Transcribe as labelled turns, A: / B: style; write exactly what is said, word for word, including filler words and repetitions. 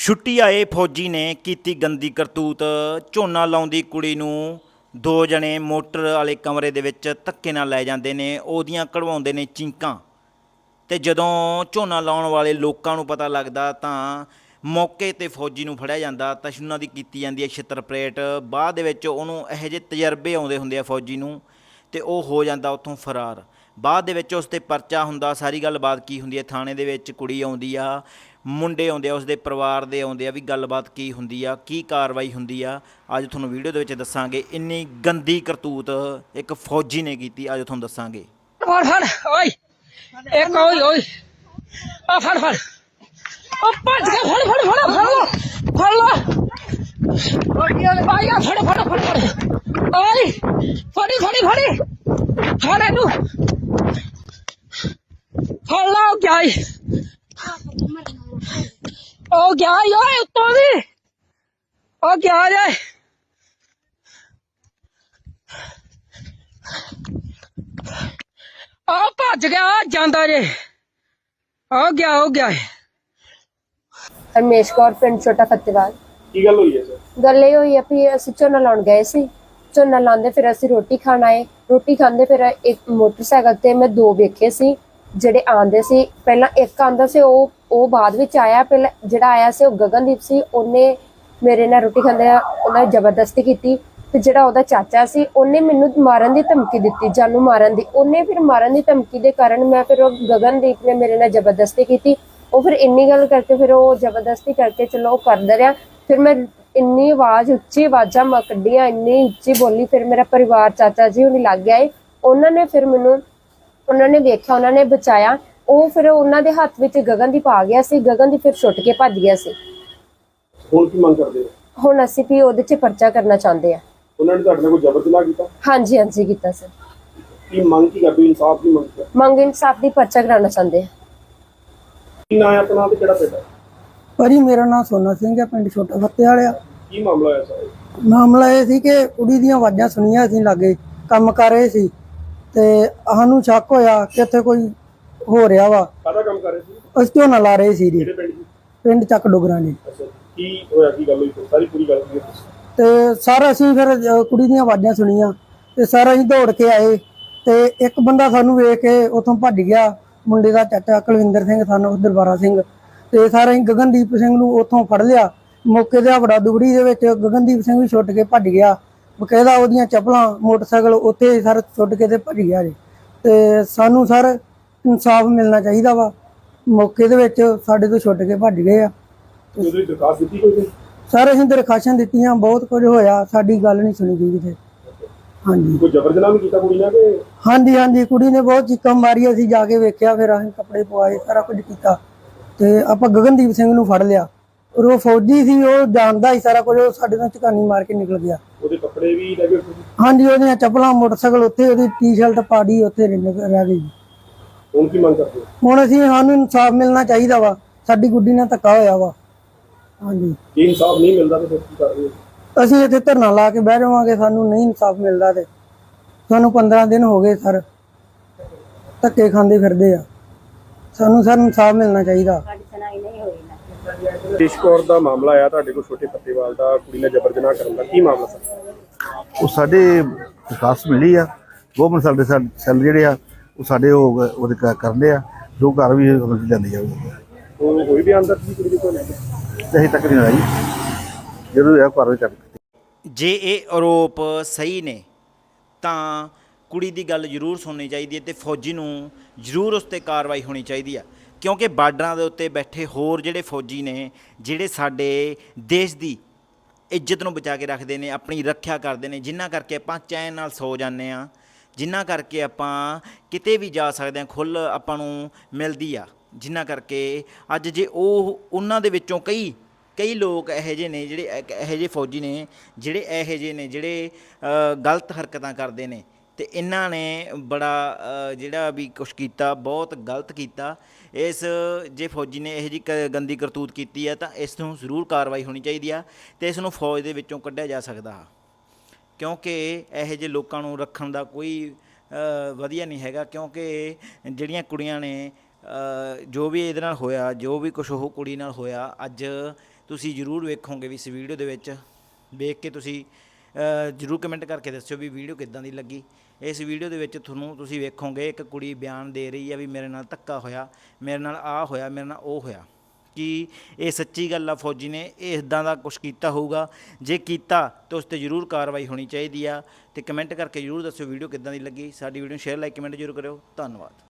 A: ਛੁੱਟੀ ਆਏ ਫੌਜੀ ਨੇ ਕੀਤੀ ਗੰਦੀ ਕਰਤੂਤ। ਝੋਨਾ ਲਾਉਂਦੀ ਕੁੜੀ ਨੂੰ ਦੋ ਜਣੇ ਮੋਟਰ ਵਾਲੇ ਕਮਰੇ ਦੇ ਵਿੱਚ ਧੱਕੇ ਨਾਲ ਲੈ ਜਾਂਦੇ ਨੇ, ਉਹਦੀਆਂ ਕਢਵਾਉਂਦੇ ਨੇ ਚੀਕਾਂ। ਤੇ ਜਦੋਂ ਝੋਨਾ ਲਾਉਣ ਵਾਲੇ ਲੋਕਾਂ ਨੂੰ ਪਤਾ ਲੱਗਦਾ ਤਾਂ ਮੌਕੇ 'ਤੇ ਫੌਜੀ ਨੂੰ ਫੜਿਆ ਜਾਂਦਾ ਤਾਂ ਉਹਨਾਂ ਦੀ ਕੀਤੀ ਜਾਂਦੀ ਹੈ ਛਿੱਤਰ ਪਰੇਡ। ਬਾਅਦ ਦੇ ਵਿੱਚ ਉਹਨੂੰ ਇਹੋ ਜਿਹੇ ਤਜਰਬੇ ਆਉਂਦੇ ਹੁੰਦੇ ਆ ਫੌਜੀ ਨੂੰ, ਤੇ ਉਹ ਹੋ ਜਾਂਦਾ ਉੱਥੋਂ ਫਰਾਰ। ਬਾਅਦ ਦੇ ਵਿੱਚ ਉਸ 'ਤੇ ਪਰਚਾ ਹੁੰਦਾ। ਸਾਰੀ ਗੱਲਬਾਤ ਕੀ ਹੁੰਦੀ ਹੈ ਥਾਣੇ ਦੇ ਵਿੱਚ, ਕੁੜੀ ਆਉਂਦੀ ਆ, ਮੁੰਡੇ ਆਉਂਦੇ ਆ, ਉਸਦੇ ਪਰਿਵਾਰ ਦੇ ਆਉਂਦੇ ਆ, ਵੀ ਗੱਲਬਾਤ ਕੀ ਹੁੰਦੀ ਆ, ਕੀ ਕਾਰਵਾਈ ਹੁੰਦੀ ਆ, ਅੱਜ ਤੁਹਾਨੂੰ ਵੀਡੀਓ ਦੇ ਵਿੱਚ ਦੱਸਾਂਗੇ। ਇੰਨੀ ਗੰਦੀ ਕਰਤੂਤ ਇੱਕ ਫੌਜੀ ਨੇ ਕੀਤੀ, ਅੱਜ ਤੁਹਾਨੂੰ ਦੱਸਾਂਗੇ।
B: ਫੜ ਫੜ ਓਏ ਇੱਕ ਓਏ ਓਏ ਆ ਫੜ ਫੜ ਉਹ ਭੱਜ ਕੇ ਫੜ ਫੜ ਫੜ ਫੜ ਲੋ ਫੜ ਲੋ ਆਇਆ ਫੜ ਫੜ ਫੜ ਫੜ ਓਏ ਫੜੀ ਫੜੀ ਫੜੀ ਫੜ ਇਹਨੂੰ ਫੜ ਲਾ ਉਹ ਗਿਆ ਈ ਉਹ ਗਿਆ ਈ ਓਏ ਉੱਤੋਂ ਦੀ ਉਹ ਗਿਆ ਜੇ ਆ ਭੱਜ ਗਿਆ ਜਾਂਦਾ ਜੇ ਆ ਗਿਆ ਹੋ ਗਿਆ
C: ਹਰਮੇਸ਼ ਕੌਰ ਪਿੰਡ ਛੋਟਾ ਫਤਿਹਵਾਲ।
D: ਕੀ ਗੱਲ ਹੋਈ ਹੈ ਸਰ?
C: ਗੱਲ ਇਹ ਹੋਈ ਆ ਵੀ ਅਸੀਂ ਝੋਨਾ ਲਾਉਣ ਗਏ ਸੀ। ਝੋਨਾ ਲਾਉਂਦੇ ਫਿਰ ਅਸੀਂ ਰੋਟੀ ਖਾਣ ਆਏ। ਰੋਟੀ ਖਾਂਦੇ ਫਿਰ ਇੱਕ ਮੋਟਰਸਾਈਕਲ ਤੇ ਮੈਂ ਦੋ ਵੇਖੇ ਸੀ ਜਿਹੜੇ ਆਂਦੇ ਸੀ। ਪਹਿਲਾਂ ਇੱਕ ਆਂਦਾ ਸੀ, ਉਹ ਉਹ ਬਾਅਦ ਵਿੱਚ ਆਇਆ। ਪਹਿਲਾਂ ਜਿਹੜਾ ਆਇਆ ਸੀ ਉਹ ਗਗਨਦੀਪ ਸੀ। ਉਹਨੇ ਮੇਰੇ ਨਾਲ ਰੋਟੀ ਖਾਂਦੇ ਉਹਨਾਂ ਜ਼ਬਰਦਸਤੀ ਕੀਤੀ। ਤੇ ਜਿਹੜਾ ਉਹਦਾ ਚਾਚਾ ਸੀ ਉਹਨੇ ਮੈਨੂੰ ਮਾਰਨ ਦੀ ਧਮਕੀ ਦਿੱਤੀ, ਜਾਨੂ ਮਾਰਨ ਦੀ। ਉਹਨੇ ਫਿਰ ਮਾਰਨ ਦੀ ਧਮਕੀ ਦੇ ਕਾਰਨ ਮੈਂ ਫਿਰ ਉਹ ਗਗਨਦੀਪ ਨੇ ਮੇਰੇ ਨਾਲ ਜ਼ਬਰਦਸਤੀ ਕੀਤੀ। ਉਹ ਫਿਰ ਇੰਨੀ ਗੱਲ ਕਰਕੇ ਫਿਰ ਉਹ ਜ਼ਬਰਦਸਤੀ ਕਰਕੇ ਚਲੋ ਉਹ ਕਰਦਾ ਰਿਹਾ। ਫਿਰ ਮੈਂ ਇੰਨੀ ਆਵਾਜ਼ ਉੱਚੀ ਆਵਾਜ਼ਾਂ ਮੈਂ ਕੱਢੀਆਂ, ਇੰਨੀ ਉੱਚੀ ਬੋਲੀ। ਫਿਰ ਮੇਰਾ ਪਰਿਵਾਰ ਚਾਚਾ ਜੀ ਉਹਨੇ ਲੱਗ ਗਏ। ਉਹਨਾਂ ਨੇ ਫਿਰ ਮੈਨੂੰ ਉਹਨਾਂ ਨੇ ਵੇਖਿਆ, ਉਹਨਾਂ ਨੇ ਬਚਾਇਆ। ਉਹ ਫਿਰ ਉਹਨਾਂ ਦੇ ਹੱਥ ਵਿੱਚ ਗਗਨਦੀਪ ਆ ਗਿਆ ਸੀ। ਗਗਨਦੀਪ ਫਿਰ ਛੁੱਟ ਕੇ ਭੱਜ ਗਿਆ ਸੀ।
D: ਹੁਣ ਕੀ ਮੰਗ ਕਰਦੇ ਹੋ?
C: ਹੁਣ ਅਸੀਂ ਵੀ ਉਹਦੇ 'ਚ ਪਰਚਾ ਕਰਨਾ ਚਾਹੁੰਦੇ ਆ।
D: ਉਹਨਾਂ ਨੇ ਤੁਹਾਡੇ ਨਾਲ ਕੋਈ ਜ਼ਬਰ ਜਨਾਹ ਕੀਤਾ?
C: ਹਾਂਜੀ ਹਾਂਜੀ ਕੀਤਾ ਸਰ।
D: ਕੀ ਮੰਗ ਕੀ ਕਰਦੇ ਹੋ? ਇਨਸਾਫ ਦੀ ਮੰਗ ਕਰ
C: ਮੰਗ ਇਨਸਾਫ ਦੀ ਪਰਚਾ ਕਰਾਉਣਾ ਚਾਹੁੰਦੇ ਆ।
D: ਕੀ ਨਾਂ ਹੈ ਆਪਣਾ ਤੇ ਕਿਹੜਾ ਪਿੰਡ ਹੈ?
E: ਭਾਜੀ ਮੇਰਾ ਨਾਮ ਸੋਨਾ ਸਿੰਘ ਹੈ, ਪਿੰਡ ਛੋਟਾ ਫੱਤੇ ਵਾਲਿਆ।
D: ਕੀ ਮਾਮਲਾ ਹੋਇਆ ਸਰ?
E: ਮਾਮਲਾ ਇਹ ਸੀ ਕਿ ਕੁੜੀ ਦੀਆਂ ਆਵਾਜ਼ਾਂ ਸੁਣੀਆਂ ਅਸੀਂ ਲਾਗੇ ਕੰਮ ਕਰ ਰਹੇ ਸੀ ਤੇ ਸਾਨੂੰ ਸ਼ੱਕ ਹੋਇਆ ਕਿ ਇੱਥੇ ਕੋਈ ਹੋ ਰਿਹਾ ਵਾ।
D: ਕਾਹਦਾ ਕੰਮ ਕਰ ਰਹੇ ਸੀ?
E: ਅਸੀਂ ਝੋਨਾ ਲਾ ਰਹੇ ਸੀ ਜੀ,
D: ਕਿਹੜੇ ਪਿੰਡ ਦੀ?
E: ਪਿੰਡ ਚੱਕ ਡੋਗਰਾਂ ਜੀ।
D: ਅੱਛਾ, ਕੀ ਹੋਇਆ? ਕੀ ਗੱਲ ਹੋਈ? ਸਾਰੀ ਪੂਰੀ ਗੱਲ ਕੀ ਹੈ?
E: ਤੇ ਸਰ ਅਸੀਂ ਫਿਰ ਅ, ਕੁੜੀ ਦੀਆਂ ਆਵਾਜ਼ਾਂ ਸੁਣੀਆਂ ਤੇ ਸਰ ਅਸੀਂ ਦੌੜ ਕੇ ਆਏ ਤੇ ਇੱਕ ਬੰਦਾ ਸਾਨੂੰ ਵੇਖ ਕੇ ਉੱਥੋਂ ਭੱਜ ਗਿਆ। ਮੁੰਡੇ ਦਾ ਚਾਚਾ ਕੁਲਵਿੰਦਰ ਸਿੰਘ, ਸਾਨੂੰ ਦਰਬਾਰਾ ਸਿੰਘ। ਤੇ ਸਰ ਅਸੀਂ ਗਗਨਦੀਪ ਸਿੰਘ ਨੂੰ ਉੱਥੋਂ ਫੜ ਲਿਆ। ਮੌਕੇ ਤੇ ਵੜਾ ਦੁਗੜੀ ਦੇ ਵਿੱਚ ਗਗਨਦੀਪ ਸਿੰਘ ਵੀ ਛੁੱਟ ਕੇ ਭੱਜ ਗਿਆ। ਬਕਾਇਦਾ ਉਹਦੀਆਂ ਚੱਪਲਾਂ ਮੋਟਰਸਾਈਕਲ ਉੱਥੇ ਸਰ ਛੁੱਟ ਕੇ ਤੇ ਭੱਜ ਗਿਆ ਜੀ। ਤੇ ਸਾਨੂੰ ਸਰ ਇਨਸਾਫ ਮਿਲਣਾ ਚਾਹੀਦਾ ਵਾ। ਮੌਕੇ ਦੇ ਵਿੱਚ ਸਾਡੇ ਤੋਂ ਛੁੱਟ ਕੇ ਭੱਜ ਗਏ ਆ।
D: ਉਹਦੀ ਦਰਖਾਸਤ ਦਿੱਤੀ ਕੋਈ ਨਹੀਂ?
E: ਸਰ ਅਸੀਂ ਦਰਖਾਸ਼ਾਂ ਦਿੱਤੀਆਂ, ਬਹੁਤ ਕੁਝ ਹੋਇਆ, ਸਾਡੀ ਗੱਲ ਨਹੀਂ ਸੁਣੀ ਗਈ ਕਿਤੇ। ਹਾਂਜੀ
D: ਕੋਈ ਜ਼ਬਰ ਜਨਾਹ ਵੀ ਕੀਤਾ ਕੁੜੀ ਨਾਲ ਕਿ?
E: ਹਾਂਜੀ ਹਾਂਜੀ ਕੁੜੀ ਨੇ ਬਹੁਤ ਚੀਕਾਂ ਮਾਰੀ। ਅਸੀਂ ਜਾ ਕੇ ਵੇਖਿਆ, ਫਿਰ ਅਸੀਂ ਕੱਪੜੇ ਪਵਾਏ, ਸਾਰਾ ਕੁਝ ਕੀਤਾ ਤੇ ਆਪਾਂ ਗਗਨਦੀਪ ਸਿੰਘ ਨੂੰ ਫੜ ਲਿਆ। ਔਰ ਉਹ ਫੌਜੀ ਸੀ, ਉਹ ਜਾਣਦਾ ਸੀ ਸਾਰਾ ਕੁਝ। ਉਹ ਸਾਡੇ ਨਾਲ ਝਕਾਨੀ ਮਾਰ ਕੇ ਨਿਕਲ ਗਿਆ।
D: ਉਹਦੇ ਕੱਪੜੇ ਵੀ ਲੈ ਗਏ?
E: ਹਾਂਜੀ ਉਹਦੀਆਂ ਚੱਪਲਾਂ, ਮੋਟਰਸਾਈਕਲ ਉੱਥੇ, ਉਹਦੀ ਟੀ-ਸ਼ਰਟ ਪਾੜੀ ਉੱਥੇ ਰਹਿ ਗਈ।
D: ਹੁਣ ਕੀ ਮੰਗ ਕਰਦੇ ਹੋ?
E: ਹੁਣ ਅਸੀਂ ਸਾਨੂੰ ਇਨਸਾਫ ਮਿਲਣਾ ਚਾਹੀਦਾ ਵਾ। ਸਾਡੀ ਗੁੱਡੀ ਨਾਲ ਧੱਕਾ ਹੋਇਆ ਵਾ। ਹਾਂਜੀ
D: ਜੇ ਇਨਸਾਫ ਨਹੀਂ ਮਿਲਦਾ ਤਾਂ ਫਿਰ ਕੀ ਕਰ ਰਹੇ ਹੋ?
E: ਅਸੀਂ ਇੱਥੇ ਧਰਨਾ ਲਾ ਕੇ ਬਹਿ ਜਾਵਾਂਗੇ। ਸਾਨੂੰ ਨਹੀਂ ਇਨਸਾਫ ਮਿਲਦਾ ਤੇ ਸਾਨੂੰ ਪੰਦਰਾਂ ਦਿਨ ਹੋ ਗਏ ਸਰ ਧੱਕੇ ਖਾਂਦੇ ਫਿਰਦੇ ਆ। ਸਾਨੂੰ ਸਰ ਇਨਸਾਫ ਮਿਲਣਾ ਚਾਹੀਦਾ।
D: ਹਰਮੇਸ਼ ਕੌਰ ਦਾ ਮਾਮਲਾ ਆਇਆ ਤੁਹਾਡੇ ਕੋਲ, ਛੋਟੇ ਫੱਤੇਵਾਲ ਦਾ, ਕੁੜੀ ਨਾਲ ਜ਼ਬਰ ਜਨਾਹ ਕਰਨ ਦਾ। ਕੀ ਮਾਮਲਾ ਸਰ?
F: ਉਹ ਸਾਡੇ ਦਰਖਾਸਤ ਮਿਲੀ ਆ। ਗਵਰਨਮੈਂਟ ਸਾਡੇ ਸੈੱਲ ਜਿਹੜੇ ਆ ਉਹ ਸਾਡੇ ਉਹ ਉਹਦੇ ਕ- ਕਰਦੇ ਆ, ਜੋ ਘਰ ਵੀ ਅਮਲ 'ਚ ਲਿਆਂਦੀ ਜਾਊਗੀ।
D: ਉਹ ਹੋਈ ਵੀ ਅੰਦਰ ਸੀ ਕੁੜੀ ਦੇ ਕੋਲ?
F: ਤੇ ਅਸੀਂ ਤੱਕ ਨਹੀਂ ਹੋਇਆ ਜੀ, ਜਦੋਂ ਇਹ ਘਰ ਵਿੱਚ ਚੱਕ
A: ਜੇ ਇਹ ਆਰੋਪ ਸਹੀ ਨੇ ਤਾਂ ਕੁੜੀ ਦੀ ਗੱਲ ਜ਼ਰੂਰ ਸੁਣਨੀ ਚਾਹੀਦੀ ਹੈ ਤੇ ਫੌਜੀ ਨੂੰ ਜ਼ਰੂਰ ਉਸ 'ਤੇ ਕਾਰਵਾਈ ਹੋਣੀ ਚਾਹੀਦੀ ਆ। ਕਿਉਂਕਿ ਬਾਰਡਰਾਂ ਦੇ ਉੱਤੇ ਬੈਠੇ ਹੋਰ ਜਿਹੜੇ ਫੌਜੀ ਨੇ, ਜਿਹੜੇ ਸਾਡੇ ਦੇਸ਼ ਦੀ ਇੱਜ਼ਤ ਨੂੰ ਬਚਾ ਕੇ ਰੱਖਦੇ ਨੇ, ਆਪਣੀ ਰੱਖਿਆ ਕਰਦੇ ਨੇ, ਜਿਨ੍ਹਾਂ ਕਰਕੇ ਆਪਾਂ ਚੈਨ ਨਾਲ ਸੌ ਜਾਂਦੇ ਹਾਂ, ਜਿਨ੍ਹਾਂ ਕਰਕੇ ਆਪਾਂ ਕਿਤੇ ਵੀ ਜਾ ਸਕਦੇ ਹਾਂ, ਖੁੱਲ੍ਹ ਆਪਾਂ ਨੂੰ ਮਿਲਦੀ ਆ, ਜਿਨ੍ਹਾਂ ਕਰਕੇ ਅੱਜ ਜੇ ਉਹ ਉਹਨਾਂ ਦੇ ਵਿੱਚੋਂ ਕਈ ਕਈ ਲੋਕ ਇਹੋ ਜਿਹੇ ਨੇ, ਜਿਹੜੇ ਇਹੋ ਜਿਹੇ ਫੌਜੀ ਨੇ, ਜਿਹੜੇ ਇਹੋ ਜਿਹੇ ਨੇ ਜਿਹੜੇ ਗਲਤ ਹਰਕਤਾਂ ਕਰਦੇ ਨੇ। ਤੇ ਇਹਨਾਂ ਨੇ ਬੜਾ ਜਿਹੜਾ ਵੀ ਕੁਛ ਕੀਤਾ, ਬਹੁਤ ਗਲਤ ਕੀਤਾ। ਇਸ ਜੇ ਫੌਜੀ ਨੇ ਇਹੋ ਜਿਹੀ ਕ ਗੰਦੀ ਕਰਤੂਤ ਕੀਤੀ ਹੈ ਤਾਂ ਇਸ ਨੂੰ ਜ਼ਰੂਰ ਕਾਰਵਾਈ ਹੋਣੀ ਚਾਹੀਦੀ ਆ ਅਤੇ ਇਸ ਨੂੰ ਫੌਜ ਦੇ ਵਿੱਚੋਂ ਕੱਢਿਆ ਜਾ ਸਕਦਾ। ਕਿਉਂਕਿ ਇਹੋ ਜਿਹੇ ਲੋਕਾਂ ਨੂੰ ਰੱਖਣ ਦਾ ਕੋਈ ਵਧੀਆ ਨਹੀਂ ਹੈਗਾ। ਕਿਉਂਕਿ ਜਿਹੜੀਆਂ ਕੁੜੀਆਂ ਨੇ ਜੋ ਵੀ ਇਹਦੇ ਨਾਲ ਹੋਇਆ, ਜੋ ਵੀ ਕੁਛ ਉਹ ਕੁੜੀ ਨਾਲ ਹੋਇਆ, ਅੱਜ ਤੁਸੀਂ ਜ਼ਰੂਰ ਵੇਖੋਗੇ ਵੀ ਇਸ ਵੀਡੀਓ ਦੇ ਵਿੱਚ। ਵੇਖ ਕੇ ਤੁਸੀਂ ਅ, ਜ਼ਰੂਰ ਕਮੈਂਟ ਕਰਕੇ ਦੱਸਿਓ ਵੀ ਵੀਡੀਓ ਕਿੱਦਾਂ ਦੀ ਲੱਗੀ। ਇਸ ਵੀਡੀਓ ਦੇ ਵਿੱਚ ਤੁਹਾਨੂੰ ਤੁਸੀਂ ਵੇਖੋਗੇ ਇੱਕ ਕੁੜੀ ਬਿਆਨ ਦੇ ਰਹੀ ਆ ਵੀ ਮੇਰੇ ਨਾਲ ਧੱਕਾ ਹੋਇਆ, ਮੇਰੇ ਨਾਲ ਆਹ ਹੋਇਆ, ਮੇਰੇ ਨਾਲ ਉਹ ਹੋਇਆ। ਕੀ ਇਹ ਸੱਚੀ ਗੱਲ ਆ? ਫੌਜੀ ਨੇ ਇਹ ਇੱਦਾਂ ਦਾ ਕੁਛ ਕੀਤਾ ਹੋਊਗਾ? ਜੇ ਕੀਤਾ ਤਾਂ ਉਸ 'ਤੇ ਜ਼ਰੂਰ ਕਾਰਵਾਈ ਹੋਣੀ ਚਾਹੀਦੀ ਆ। ਅਤੇ ਕਮੈਂਟ ਕਰਕੇ ਜ਼ਰੂਰ ਦੱਸਿਓ ਵੀਡੀਓ ਕਿੱਦਾਂ ਦੀ ਲੱਗੀ। ਸਾਡੀ ਵੀਡੀਓ ਸ਼ੇਅਰ ਲਾਈਕ ਕਮੈਂਟ ਜ਼ਰੂਰ ਕਰਿਓ। ਧੰਨਵਾਦ।